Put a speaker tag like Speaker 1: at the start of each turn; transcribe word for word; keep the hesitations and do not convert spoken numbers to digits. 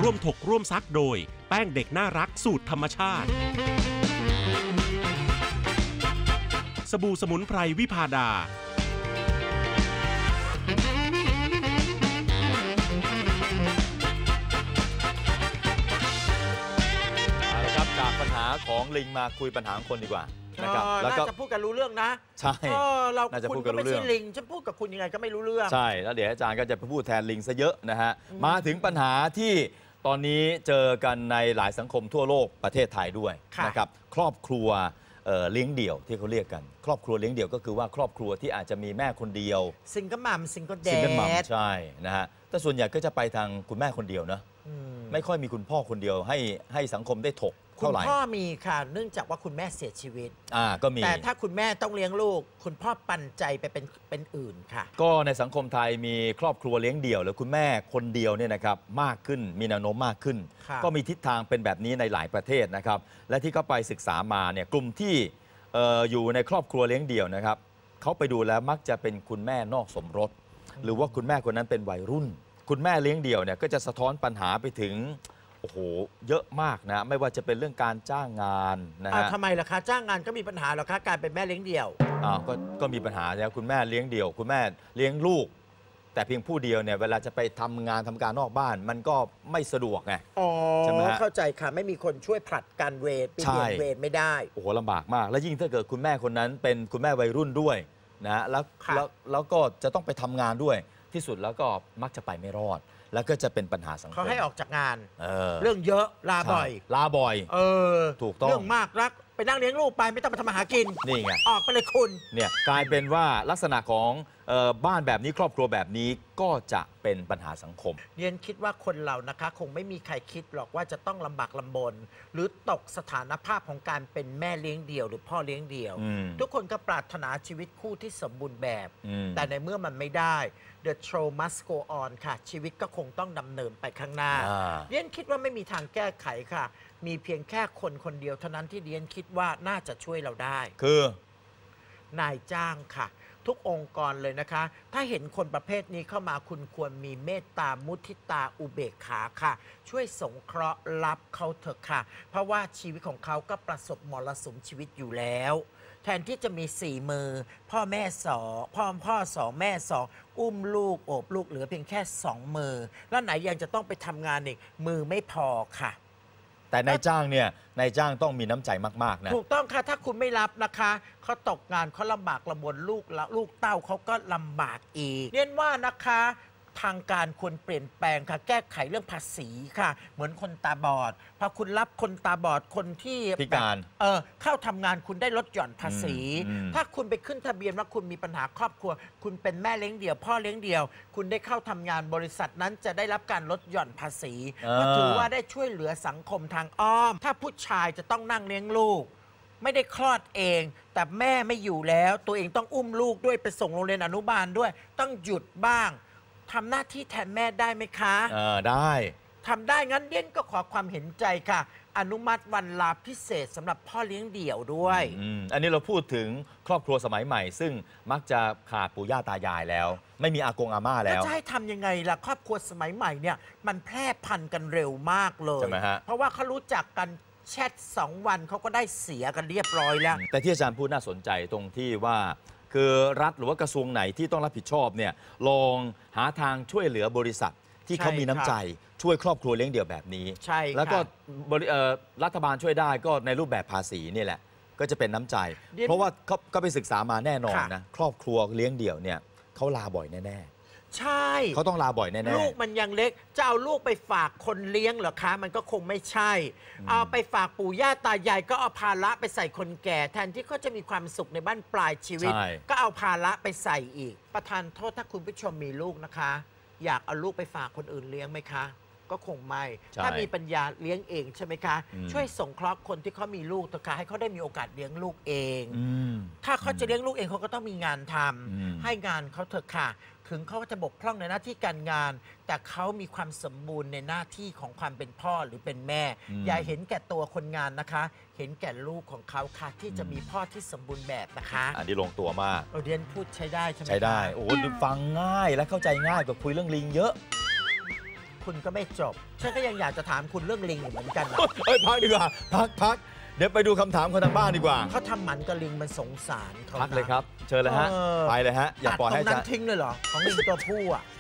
Speaker 1: ร่วมถกร่วมซักโดยแป้งเด็กน่ารักสูตรธรรมชาติสบู่สมุนไพรวิพาดา
Speaker 2: เอาละครับจากปัญหาของลิงมาคุยปัญหาของคนดีกว่านะครับแล้วก็
Speaker 3: จะพูดกันรู้เรื่องนะ
Speaker 2: ใช่
Speaker 3: เราคุณก็ไม่ใช่ลิงฉันพูดกับคุณยังไงก็ไม่รู้เรื่อง
Speaker 2: ใช่แล้วเดี๋ยวอาจารย์ก็จะไปพูดแทนลิงซะเยอะนะฮะมาถึงปัญหาที่ตอนนี้เจอกันในหลายสังคมทั่วโลกประเทศไทยด้วยนะครับครอบครัวเลี้ยงเดี่ยวที่เขาเรียกกันครอบครัวเลี้ยงเดี่ยวก็คือว่าครอบครัวที่อาจจะมีแม่คนเดียว
Speaker 3: ซิงเกิลมัมซิงเกิลแดด
Speaker 2: ซิงเกิลมัมใช่นะฮะแต่ส่วนใหญ่ก็จะไปทางคุณแม่คนเดียวนะไม่ค่อยมีคุณพ่อคนเดียวให้ให้สังคมได้ถก
Speaker 3: คุณพ่อมีค่ะเนื่องจากว่าคุณแม่เสียชีวิต
Speaker 2: อ่าก็มี
Speaker 3: แต่ถ้าคุณแม่ต้องเลี้ยงลูกคุณพ่อปันใจไปเป็นเป็นอื่นค่ะ
Speaker 2: ก็ในสังคมไทยมีครอบครัวเลี้ยงเดี่ยวหรือคุณแม่คนเดียวเนี่ยนะครับมากขึ้นมีแนวโน้มมากขึ้นก็มีทิศทางเป็นแบบนี้ในหลายประเทศนะครับและที่เขาไปศึกษามาเนี่ยกลุ่มที่เอ่ออยู่ในครอบครัวเลี้ยงเดี่ยวนะครับเขาไปดูแล้วมักจะเป็นคุณแม่นอกสมรสหรือว่าคุณแม่คนนั้นเป็นวัยรุ่นคุณแม่เลี้ยงเดี่ยวเนี่ยก็จะสะท้อนปัญหาไปถึงโอ้โหเยอะมากนะไม่ว่าจะเป็นเรื่องการจ้างงานนะฮะ
Speaker 3: ทำไมล่ะคะจ้างงานก็มีปัญหาหรอคะการเป็นแม่เลี้ยงเดี่ยว
Speaker 2: อ้าวก็ก็มีปัญหาแล้วคุณแม่เลี้ยงเดี่ยวคุณแม่เลี้ยงลูกแต่เพียงผู้เดียวเนี่ยเวลาจะไปทำงานทำการนอกบ้านมันก็ไม่สะดวกไง
Speaker 3: อ๋อใช่ไหมเข้าใจค่ะไม่มีคนช่วยผลัดกันเวรเปลี่ยนเวรไม่ได้
Speaker 2: โอ้โหลำบากมากแล้วยิ่งถ้าเกิดคุณแม่คนนั้นเป็นคุณแม่วัยรุ่นด้วยนะฮะแล้วแล้วแล้วก็จะต้องไปทำงานด้วยที่สุดแล้วก็มักจะไปไม่รอดแล้วก็จะเป็นปัญหาสังคม
Speaker 3: เขาให้ออกจากงาน
Speaker 2: เออ
Speaker 3: เรื่องเยอะลาบ่อย
Speaker 2: ลาบ่อย
Speaker 3: เออ
Speaker 2: ถูกต้อง
Speaker 3: เรื่องมากรักไปนั่งเลี้ยงลูกไปไม่ต้องไปทำอาหารกิน
Speaker 2: นี่ไง
Speaker 3: ออกไปเลยคุณ
Speaker 2: เนี่ยกลายเป็นว่าลักษณะของบ้านแบบนี้ครอบครัวแบบนี้ก็จะเป็นปัญหาสังคม
Speaker 3: เรียนคิดว่าคนเรานะคะคงไม่มีใครคิดหรอกว่าจะต้องลำบากลำบนหรือตกสถานภาพของการเป็นแม่เลี้ยงเดี่ยวหรือพ่อเลี้ยงเดี่ยวทุกคนก็ปรารถนาชีวิตคู่ที่สมบูรณ์แบบแต่ในเมื่อมันไม่ได้ The show must go on ค่ะชีวิตก็คงต้องดำเนินไปข้างหน้าเรียนคิดว่าไม่มีทางแก้ไขค่ะมีเพียงแค่คนคนเดียวเท่านั้นที่เรียนคิดว่าน่าจะช่วยเราได้
Speaker 2: คือน
Speaker 3: ายจ้างค่ะทุกองค์กรเลยนะคะถ้าเห็นคนประเภทนี้เข้ามาคุณควรมีเมตตามุทิตาอุเบกขาค่ะช่วยสงเคราะห์รับเขาเถอะค่ะเพราะว่าชีวิตของเขาก็ประสบมรสุมชีวิตอยู่แล้วแทนที่จะมีสี่มือพ่อแม่สองพ่อพ่อสองแม่สองอุ้มลูกโอบลูกเหลือเพียงแค่สองมือแล้วไหนยังจะต้องไปทำงานอีกมือไม่พอค่ะ
Speaker 2: แต่นายจ้างเนี่ยนายจ้างต้องมีน้ำใจมากๆนะ
Speaker 3: ถูกต้องค่ะถ้าคุณไม่รับนะคะเขาตกงานเขาลำบากลำบนลูกแล้วลูกเต้าเขาก็ลำบากอีกเรียนว่านะคะทางการควรเปลี่ยนแปลงค่ะแก้ไขเรื่องภาษีค่ะเหมือนคนตาบอดพอคุณรับคนตาบอดคนที่
Speaker 2: พิการ
Speaker 3: เออเข้าทำงานคุณได้ลดหย่อนภาษีถ้าคุณไปขึ้นทะเบียนว่าคุณมีปัญหาครอบครัวคุณเป็นแม่เลี้ยงเดี่ยวพ่อเลี้ยงเดี่ยวคุณได้เข้าทำงานบริษัทนั้นจะได้รับการลดหย่อนภาษีก็ถือว่าได้ช่วยเหลือสังคมทางอ้อมถ้าผู้ชายจะต้องนั่งเลี้ยงลูกไม่ได้คลอดเองแต่แม่ไม่อยู่แล้วตัวเองต้องอุ้มลูกด้วยไปส่งโรงเรียนอนุบาลด้วยต้องหยุดบ้างทำหน้าที่แทนแม่ได้ไหมคะ
Speaker 2: เออได้
Speaker 3: ทำได้งั้นเดียนก็ขอความเห็นใจค่ะอนุมัติวันลาพิเศษสำหรับพ่อเลี้ยงเดี่ยวด้วย
Speaker 2: อืมอันนี้เราพูดถึงครอบครัวสมัยใหม่ซึ่งมักจะขาดปู่ย่าตายายแล้วไม่มีอากงอาม่าแล้ว
Speaker 3: จะให้ทำยังไงล่ะครอบครัวสมัยใหม่เนี่ยมันแพร่พันธุ์กันเร็วมากเลย
Speaker 2: ใช่ไหมฮะ
Speaker 3: เพราะว่าเขารู้จักกันแชทสองวันเขาก็ได้เสียกันเรียบร้อยแล้ว
Speaker 2: แต่ที่อาจารย์พูดน่าสนใจตรงที่ว่าคือรัฐหรือว่ากระทรวงไหนที่ต้องรับผิดชอบเนี่ยลองหาทางช่วยเหลือบริษัทที่เขามีน้ำใจช่วยครอบครัวเลี้ยงเดี่ยวแบบนี้
Speaker 3: ใช่
Speaker 2: แล้วก็รัฐบาลช่วยได้ก็ในรูปแบบภาษีนี่แหละก็จะเป็นน้ำใจเพราะว่าเขาก็ไปศึกษามาแน่นอนนะครอบครัวเลี้ยงเดี่ยวเนี่ยเขาลาบ่อยแน่
Speaker 3: ใช่
Speaker 2: เขาต้องลาบ่อยแน่ๆ
Speaker 3: ลูกมันยังเล็กจะเอาลูกไปฝากคนเลี้ยงเหรอคะมันก็คงไม่ใช่เอาไปฝากปู่ย่าตายายก็เอาภาระไปใส่คนแก่แทนที่เขาจะมีความสุขในบ้านปลายชีวิตก็เอาภาระไปใส่อีกประทานโทษถ้าคุณผู้ชมมีลูกนะคะอยากเอาลูกไปฝากคนอื่นเลี้ยงไหมคะก็คงไม่ถ้ามีปัญญาเลี้ยงเองใช่ไหมคะช่วยสงเคราะห์คนที่เขามีลูกเถอะค่ะให้เขาได้มีโอกาสเลี้ยงลูกเองถ้าเขาจะเลี้ยงลูกเองเขาก็ต้องมีงานทำให้งานเขาเถอะค่ะถึงเขาจะบกพร่องในหน้าที่การงานแต่เขามีความสมบูรณ์ในหน้าที่ของความเป็นพ่อหรือเป็นแม่อย่าเห็นแก่ตัวคนงานนะคะเห็นแก่ลูกของเขาค่ะที่จะมีพ่อที่สมบูรณ์แบบนะคะ
Speaker 2: อันนี้ลงตัวมาก
Speaker 3: เราเรียนพูดใช้ได้ใช่ไหม
Speaker 2: ใช้ได้โอ้ฟังง่ายและเข้าใจง่ายกว่าคุยเรื่องลิงเยอะ
Speaker 3: คุณก็ไม่จบฉันก็ยังอยากจะถามคุณเรื่องลิงอยู่เหมือนกันนะ
Speaker 2: เอ้ยพักดีกว่าพักพักเดี๋ยวไปดูคำถามคนทางบ้านดีกว่า
Speaker 3: เขาทำหมันกับลิงมันสงสารเขา
Speaker 2: พักเลยครับ เชิญเลยฮะ
Speaker 3: เออ
Speaker 2: ไปเลยฮะอย่าปล่อยให้
Speaker 3: ตัดตรงนั้
Speaker 2: จะ
Speaker 3: นทิ้งเลยเหรอของลิงตัวผู้อ่ะ